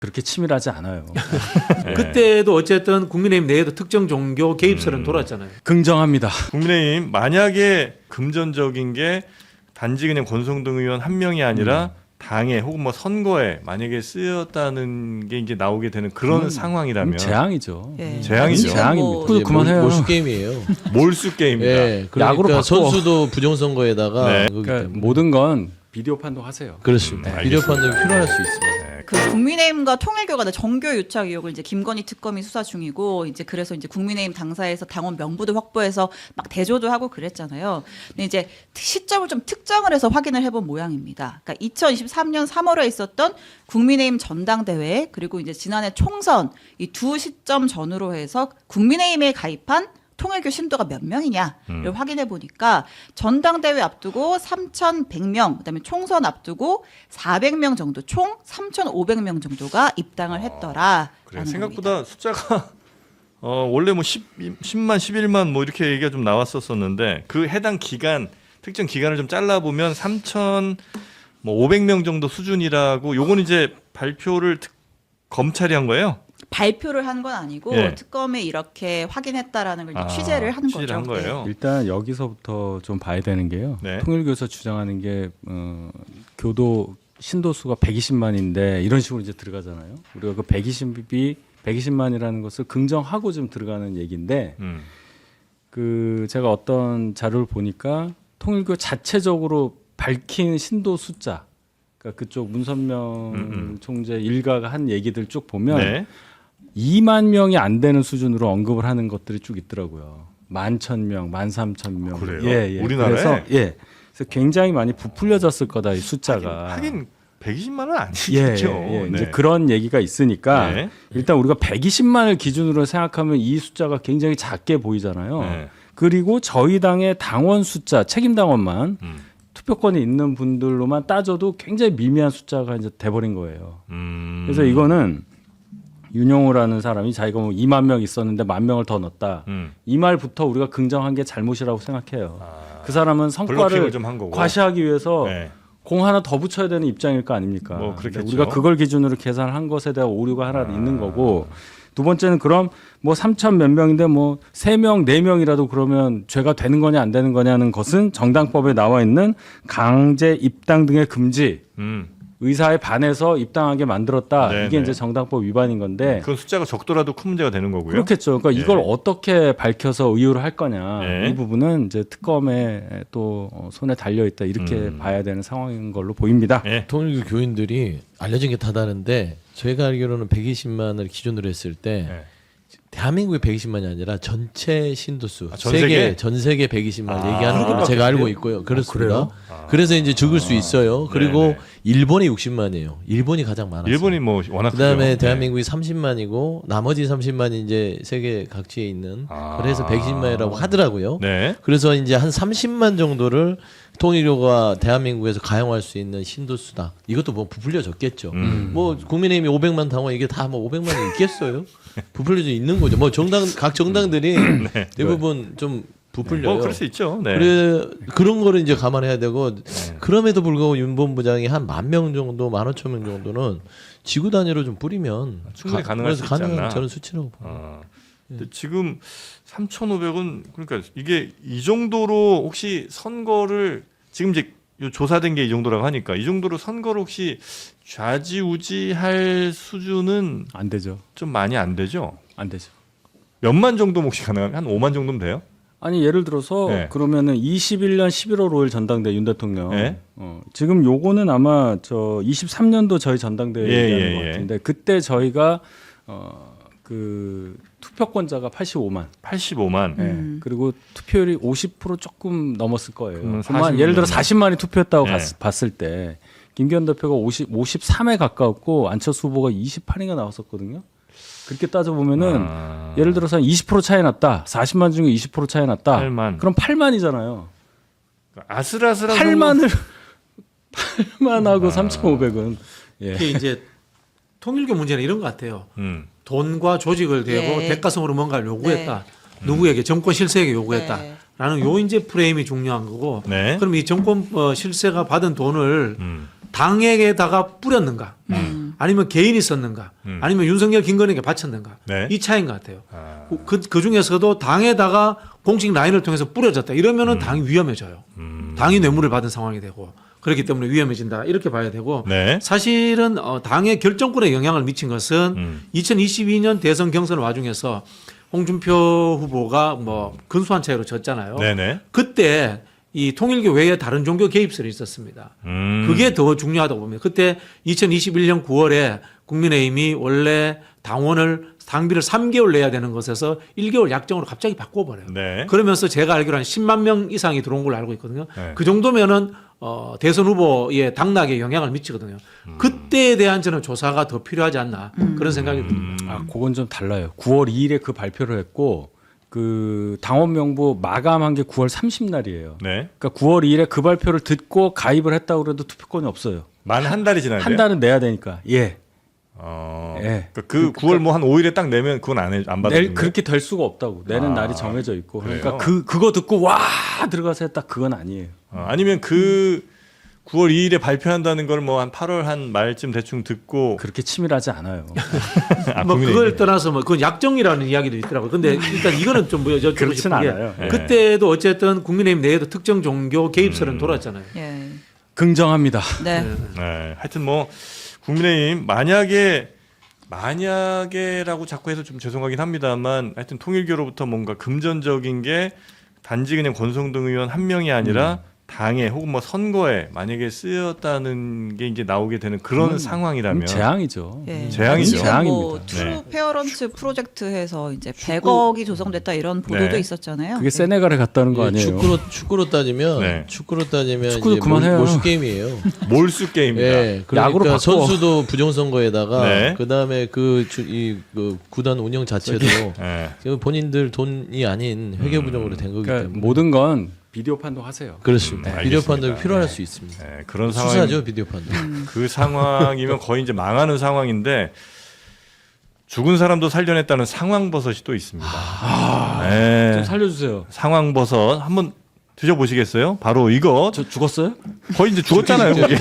그렇게 치밀하지 않아요. 네. 그때도 어쨌든 국민의힘 내에도 특정 종교 개입설은 돌았잖아요. 긍정합니다. 국민의힘 만약에 금전적인 게 단지 그냥 권성동 의원 한 명이 아니라 당에 혹은 뭐 선거에 만약에 쓰였다는 게 이제 나오게 되는 그런 상황이라면 재앙이죠. 예. 재앙이죠. 재앙입니다. 뭐 그만해요. 몰수 게임이에요. 몰수 게임이다. 예, 그러니까 야구로 바꿔. 선수도 부정선거에다가 네. 그거기 그러니까 때문에. 모든 건 비디오 판독하세요. 그렇습니다. 알겠습니다. 비디오 판독이 필요할 수 있어요. 네. 국민의힘과 통일교가 정교 유착 의혹을 이제 김건희 특검이 수사 중이고 이제 그래서 이제 국민의힘 당사에서 당원 명부도 확보해서 막 대조도 하고 그랬잖아요. 근데 이제 시점을 좀 특정을 해서 확인을 해본 모양입니다. 그러니까 2023년 3월에 있었던 국민의힘 전당대회 그리고 이제 지난해 총선 이 두 시점 전후로 해서 국민의힘에 가입한 통일교 신도가 몇 명이냐를 확인해 보니까 전당대회 앞두고 3,100명, 그다음에 총선 앞두고 400명 정도, 총 3,500명 정도가 입당을 했더라. 그래 생각보다 숫자가 원래 뭐 10만, 11만 뭐 이렇게 얘기가 좀 나왔었는데 그 해당 기간 특정 기간을 좀 잘라 보면 3,500명 정도 수준이라고 요거는 이제 발표를 검찰이 한 거예요. 발표를 한 건 아니고 예. 특검에 이렇게 확인했다라는 걸 이제 취재를 한 취재를 거죠. 한 거예요. 일단 여기서부터 좀 봐야 되는 게요. 네. 통일교에서 주장하는 게 교도 신도수가 120만인데 이런 식으로 이제 들어가잖아요. 우리가 그 120만이라는 것을 긍정하고 좀 들어가는 얘기인데 그 제가 어떤 자료를 보니까 통일교 자체적으로 밝힌 신도 숫자, 그러니까 그쪽 문선명 총재 일가가 한 얘기들 쭉 보면 네. 2만 명이 안 되는 수준으로 언급을 하는 것들이 쭉 있더라고요. 11,000명, 13,000명. 그래요? 예, 예. 우리나라에? 그래서 그래서 굉장히 많이 부풀려졌을 거다 이 숫자가. 하긴 120만은 예, 아니겠죠. 예, 예. 네. 이제 그런 얘기가 있으니까 네. 일단 우리가 120만을 기준으로 생각하면 이 숫자가 굉장히 작게 보이잖아요. 네. 그리고 저희 당의 당원 숫자, 책임 당원만 투표권이 있는 분들로만 따져도 굉장히 미미한 숫자가 이제 돼버린 거예요. 그래서 이거는 윤용호라는 사람이 자기가 뭐 2만 명 있었는데 1만 명을 더 넣었다. 이 말부터 우리가 긍정한 게 잘못이라고 생각해요. 그 사람은 성과를 블러핑을 좀 한 거고. 과시하기 위해서 네. 공 하나 더 붙여야 되는 입장일 거 아닙니까? 뭐 그렇겠죠. 우리가 그걸 기준으로 계산한 것에 대한 오류가 하나 있는 거고, 두 번째는 그럼 뭐 3천 몇 명인데 뭐 3명, 4명이라도 그러면 죄가 되는 거냐 안 되는 거냐는 것은 정당법에 나와 있는 강제 입당 등의 금지, 의사에 반해서 입당하게 만들었다. 네네. 이게 이제 정당법 위반인 건데. 그건 숫자가 적더라도 큰 문제가 되는 거고요. 그렇겠죠. 그러니까 예. 이걸 어떻게 밝혀서 의유를 할 거냐. 예. 이 부분은 이제 특검에 또 손에 달려 있다. 이렇게 봐야 되는 상황인 걸로 보입니다. 예. 통일교 교인들이 알려진 게 다다른데 저희가 알기로는 120만을 기준으로 했을 때 예. 대한민국의 120만이 아니라 전체 신도수 전 세계? 전 세계 120만 얘기하는 걸로 그것밖에 제가 알고 없네요? 있고요. 그렇습니다. 그래서 이제 죽을 수 있어요. 그리고 네네. 일본이 60만이에요. 일본이 가장 많았어요. 일본이 뭐 워낙 그다음에 크죠. 대한민국이 30만이고 나머지 30만이 이제 세계 각지에 있는 그래서 120만이라고 하더라고요. 네. 그래서 이제 한 30만 정도를 통일교가 대한민국에서 가용할 수 있는 신도수다. 이것도 뭐 부풀려졌겠죠. 뭐 국민의힘이 500만 당원 이게 다 뭐 500만이 있겠어요? 부풀려져 있는 거죠. 뭐 각 정당들이 대부분 좀 부풀려요. 뭐 그럴 수 있죠. 네. 그래 그런 거를 이제 감안해야 되고 그럼에도 불구하고 윤 본부장이 한 10,000명 정도, 15,000명 정도는 지구 단위로 좀 뿌리면 충분히 가능할 수 있지 가능한 않나. 저는 수치라고 봅니다. 근데 지금 3,500은 그러니까 이게 이 정도로 혹시 선거를 지금 이제 요 조사된 게 이 정도라고 하니까 이 정도로 선거를 혹시 좌지우지할 수준은 안 되죠. 좀 많이 안 되죠. 안 되죠. 몇만 정도 혹시 가능하면 한 5만 정도면 돼요? 아니 예를 들어서 네. 그러면은 21년 11월 5일 전당대 윤 대통령. 네. 지금 요거는 아마 저 23년도 저희 전당대회 예, 얘기하는 예, 것 예. 같은데 그때 저희가 그 투표권자가 85만. 85만. 예. 그리고 투표율이 50% 조금 넘었을 거예요. 그러면 그러면 예를 들어 40만이 투표했다고 네. 봤을 때 김기현 대표가 53에 가까웠고 안철수 후보가 28인가 나왔었거든요. 그렇게 따져 보면은 예를 들어서 한 20% 차이 났다. 40만 중에 20% 차이 났다. 8만. 그럼 8만이잖아요. 아슬아슬한 8만을 8만하고 3,500은 예. 이게 이제 통일교 문제는 이런 것 같아요. 음. 돈과 조직을 대고 예. 대가성으로 뭔가를 요구했다. 누구에게 정권 실세에게 요구했다. 네. 라는 요 이제 프레임이 중요한 거고. 네. 그럼 이 정권 실세가 받은 돈을 당에게다가 뿌렸는가? 아니면 개인이 썼는가 아니면 윤석열 김건희에게 바쳤는가 네. 이 차이인 것 같아요. 아, 그 중에서도 당에다가 공식 라인을 통해서 뿌려졌다 이러면은 당이 위험해져요. 당이 뇌물을 받은 상황이 되고 그렇기 때문에 위험해진다 이렇게 봐야 되고 네. 사실은 당의 결정권에 영향을 미친 것은 2022년 대선 경선 와중에서 홍준표 후보가 뭐 근소한 차이로 졌잖아요. 네네. 그때 이 통일교 외에 다른 종교 개입설이 있었습니다. 그게 더 중요하다고 봅니다. 그때 2021년 9월에 국민의힘이 원래 당비를 3개월 내야 되는 것에서 1개월 약정으로 갑자기 바꿔버려요. 네. 그러면서 제가 알기로 한 10만 명 이상이 들어온 걸로 알고 있거든요. 네. 그 정도면은 대선 후보의 당락에 영향을 미치거든요. 그때에 대한 저는 조사가 더 필요하지 않나 그런 생각이 듭니다. 아, 그건 좀 달라요. 9월 2일에 그 발표를 했고 그 당원 명부 마감한 게 9월 30날이에요. 네. 그러니까 9월 2일에 그 발표를 듣고 가입을 했다고 그래도 투표권이 없어요. 만 한 달이 지났는데. 한 달은 내야 되니까. 예. 예. 그러니까 그 9월 뭐 한 5일에 딱 내면 그건 안 받아주는 그렇게 될 수가 없다고. 내는 아, 날이 정해져 있고. 그러니까 그래요? 그거 듣고 와 들어가서 했다 그건 아니에요. 아니면 그 9월 2일에 발표한다는 걸 뭐 한 8월 한 말쯤 대충 듣고 그렇게 치밀하지 않아요. 국민의힘이. 뭐 그걸 떠나서 뭐 그건 약정이라는 이야기도 있더라고요. 근데 일단 이거는 좀 여쭤보고 그렇진 싶은 게 않아요. 예. 그때도 어쨌든 국민의힘 내에도 특정 종교 개입설은 돌았잖아요. 예. 긍정합니다. 네. 네, 하여튼 뭐 국민의힘 만약에라고 자꾸 해서 좀 죄송하긴 합니다만 하여튼 통일교로부터 뭔가 금전적인 게 단지 그냥 권성동 의원 한 명이 아니라 당에 혹은 뭐 선거에 만약에 쓰였다는 게 이제 나오게 되는 그런 상황이라면 재앙이죠. 예. 재앙이죠. 지금 뭐 재앙입니다. 트루 페어런츠 프로젝트에서 이제 100억이 조성됐다 이런 보도도 네. 있었잖아요. 그게 세네갈에 갔다는 거 아니에요? 축구로 따지면 네. 축구도 축구도 그만해요. 몰수 게임이에요. 몰수 게임입니다. 예, 그러니까 야구로 바꿔. 선수도 부정선거에다가 네. 그다음에 그 구단 운영 자체도 네. 지금 본인들 돈이 아닌 회계부정으로 된 거기 그러니까 때문에 모든 건 비디오 판독하세요. 그렇습니다. 비디오 알겠습니다. 판독이 필요할 네. 수 있습니다. 네, 그런 상황 수사죠 비디오 판독. 그 상황이면 거의 이제 망하는 상황인데 죽은 사람도 살려냈다는 상황버섯이 또 있습니다. 네. 좀 살려주세요. 상황버섯 한번 드셔보시겠어요? 바로 이거 저 죽었어요? 거의 이제 죽었잖아요. 그게.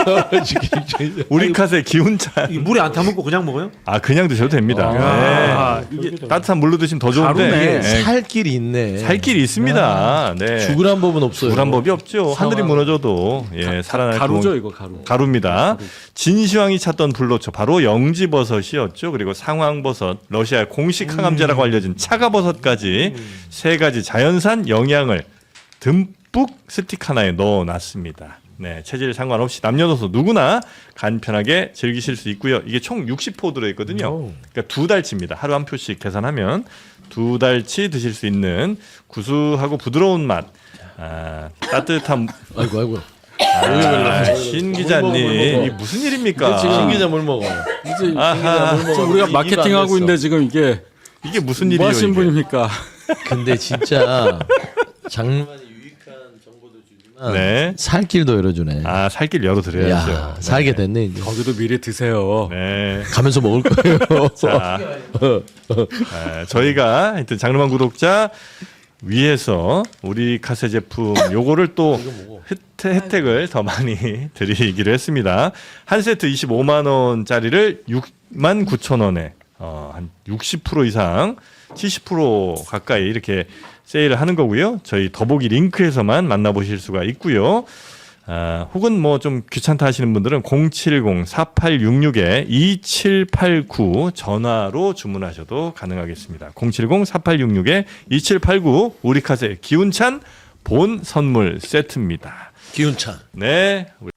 우리카세 기운차. 이 물에 안 타먹고 그냥 먹어요? 아 그냥 드셔도 됩니다. 아, 네. 이게 따뜻한 물로 드시면 더 좋은데 가루네. 네. 살 길이 있네. 살 길이 있습니다. 네. 죽으란 법은 없어요. 죽으란 법이 없죠. 하늘이 무너져도 예, 살아날 가루죠 구멍- 이거 가루. 가루입니다. 진시황이 찾던 불로초 바로 영지버섯이었죠. 그리고 상황버섯, 러시아의 공식 항암제라고 알려진 차가버섯까지 세 가지 자연산 영양을 듬뿍 스틱 하나에 넣어놨습니다. 네, 체질 상관없이 남녀노소 누구나 간편하게 즐기실 수 있고요. 이게 총 60포 들어있거든요. 그러니까 2달치입니다. 하루 한 표씩 계산하면 2달치 드실 수 있는 구수하고 부드러운 맛, 따뜻한 아이고. 신 기자님 이게 무슨 일입니까? 신 기자 뭘 먹어? 이제 아하, 지금 우리가 마케팅하고 있는데 지금 이게 이게 무슨 뭐 일이에요? 하신 이게? 분입니까? 근데 진짜 장르만이 유익한 정보도 주지만 네. 살 길도 열어주네. 아 살길 열어드려야죠. 야, 살게 됐네 이제. 거기도 미리 드세요. 네. 가면서 먹을 거예요. 자, 저희가 하여튼 장르만 구독자 위해서 우리 카세 제품 요거를 또 혜택을 더 많이 드리기로 했습니다. 한 세트 25만 원짜리를 6만 9천 원에 한 60% 이상 70% 가까이 이렇게 세일을 하는 거고요. 저희 더보기 링크에서만 만나보실 수가 있고요. 혹은 뭐 좀 귀찮다 하시는 분들은 070-4866-2789 전화로 주문하셔도 가능하겠습니다. 070-4866-2789 우리카세 기운찬 본 선물 세트입니다. 기운찬. 네.